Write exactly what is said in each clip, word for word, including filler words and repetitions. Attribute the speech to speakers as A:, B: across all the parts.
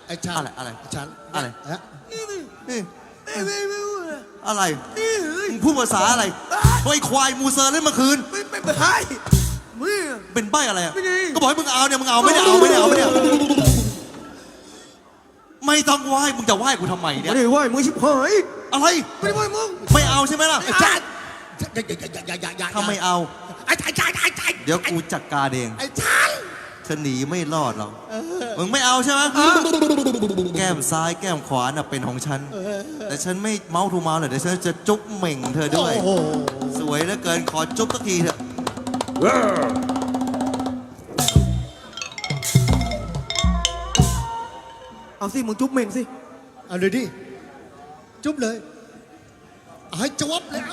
A: ไอ้ฉัน
B: อะไรอะไร
A: ฉัน
B: อะไร
A: ฮะ
B: นี่อะไรมึงพูดภาษาอะไรไอ้ควายมูเซอร์เล่นเมื่อคืน
C: ไม่ไม่ใช่มึง
B: เป็นใบอะไรอ่ะ
C: ไม่ได้
B: ก็บอกให้มึงเอาเนี่ยมึงเอาไม่ได้เอาไม่ได้เอาไม่ได้ไม่ต้องไหว้มึงจะไหว้กูทำไมเนี่ย
C: ไม่ได้ไหวมึงชิบหาย
B: อะไร
C: ไม่ได้ไหวมึง
B: ไม่เอาใช่ไหมล่ะ
A: ไอ้ฉันอย่าอย่าอย่าอย่าอย่า
B: ถ้าไม่เอา
A: ไอ้ฉันไอ้ฉันไอ้ฉัน
B: เดี๋ยวกูจัดการเอง
A: ไอ้ฉัน
B: เธอหนีไม่รอดหรอกมึงไม่เอาใช่ไหมแก้มซ้ายแก้มขวาน่ะเป็นของฉันแต่ฉันไม่เมาทูเมาเลยเดี๋ยวฉันจะจุ๊บเหม่งเธอด้วย
A: โอ้โห
B: สวยเหลือเกินขอจุ๊บสักทีเถอะ
C: เอาสิมึงจุ๊บเม่งสิ
A: เอาเลยดิจุ๊บเลยเอาให้จวบแล้ว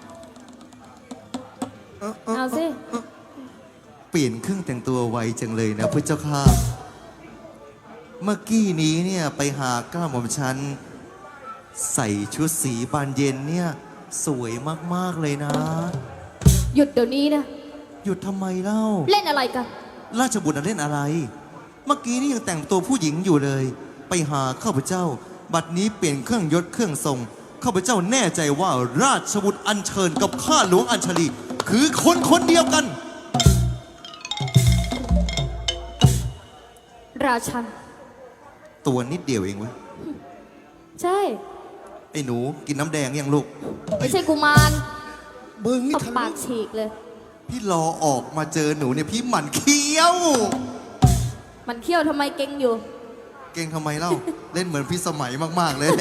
C: เอาเอา
D: เอาสิ
B: เปลี่ยนเครื่องแต่งตัวไวจังเลยนะพระเจ้าค่ะเมื่อกี้นี้เนี่ยไปหาก้าหม่อมฉันใส่ชุดสีบานเย็นเนี่ยสวยมากๆเลยนะ
D: หยุดเดี๋ยวนี้นะ
B: หยุดทำไมเล่า
D: เล่นอะไรกัน
B: ราชบุตรน่ะเล่นอะไร เมื่อกี้นี่ยังแต่งตัวผู้หญิงอยู่เลย ไปหาข้าพเจ้า บัดนี้เปลี่ยนเครื่องยศเครื่องทรงข้าพเจ้าแน่ใจว่าราชบุตรอัญเชิญกับข้าหลวงอัญชลีคือคนคนเดียวกัน
D: ราชัน
B: ตัวนิดเดียวเองเว้ย
D: ใช่
B: ไอ้หนูกินน้ำแดงยังลูก
D: ไม่ใช่กุมาร
A: มึงนี่
D: ตบ
A: ทะ
D: ปา
A: ลึ่
D: ก
A: ง
D: ฉีกเลย
B: พี่รอออกมาเจอหนูเนี่ยพี่หมั่นเคี้ยว
D: มันเที่ยวทำไมเก่งอยู่
B: เก่งทำไมเล่า เล่นเหมือนพี่สมัยมากๆเลย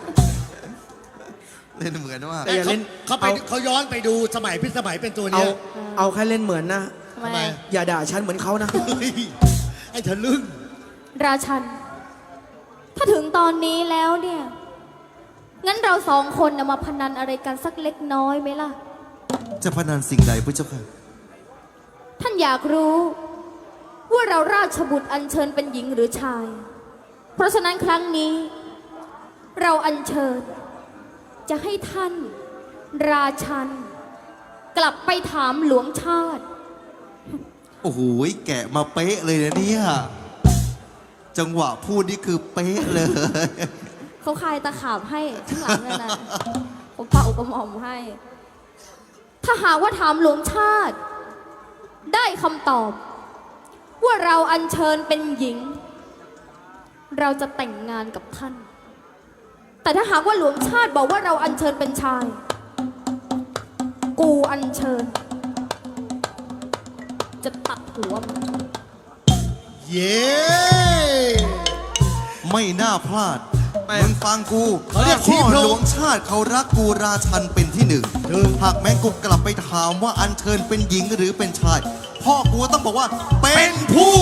B: เล่นเหมือนมาก
C: แต่อย่าเล่น
A: เขาไป
C: เอา
A: เขาย้อนไปดูสมัยพี่สมัยเป็นตัว
C: เอา
A: เนี้ย
C: เอาแค่เล่นเหมือนนะ
D: ทำไม
A: ทำไม
C: อย่าด่าฉันเหมือนเขานะ
A: เฮ้ยไอ้ทะลึ่ง
D: ราชัน ถ้าถึงตอนนี้แล้วเนี่ย งั้นเราสองคนนะมาพนันอะไรกันสักเล็กน้อยไหมล่ะ
B: จะพนันสิ่งใดพระเจ้าค่ะ
D: ท่านอยากรู้ ว่าเราราชบุตรอัญเชิญเป็นหญิงหรือชาย เพราะฉะนั้นครั้งนี้ เราอัญเชิญ จะให้ท่าน ราชัน กลับไปถามหลวงชาติ
B: โอ้โหแกะมาเป๊ะเลยนะเนี่ย จังหวะพูดนี่คือเป๊ะเลย
D: เขาคลายตะขาบให้ข้างหลังนั่นนะผมเป่าอุปหม่อมให้ ถ้าหากว่าถามหลวงชาติ ได้คำตอบ ว่าเราอัญเชิญเป็นหญิง เราจะแต่งงานกับท่าน แต่ถ้าหากว่าหลวงชาติบอกว่าเราอัญเชิญเป็นชาย กูอัญเชิญ จะตัดหัวมัน
A: เย้
B: ไม่น่าพลาด
C: ไม่
B: มึงฟังกู
A: เขาเรียก
B: พ่อ
A: ทีมโลก
B: หลวงชาติเขารักกูราชันเป็นที่หนึ่ง
A: หนึ่ง
B: หากแม่งกูกลับไปถามว่าอัญเชิญเป็นหญิงหรือเป็นชาย พ่อกูต้องบอกว่าเป็นผู้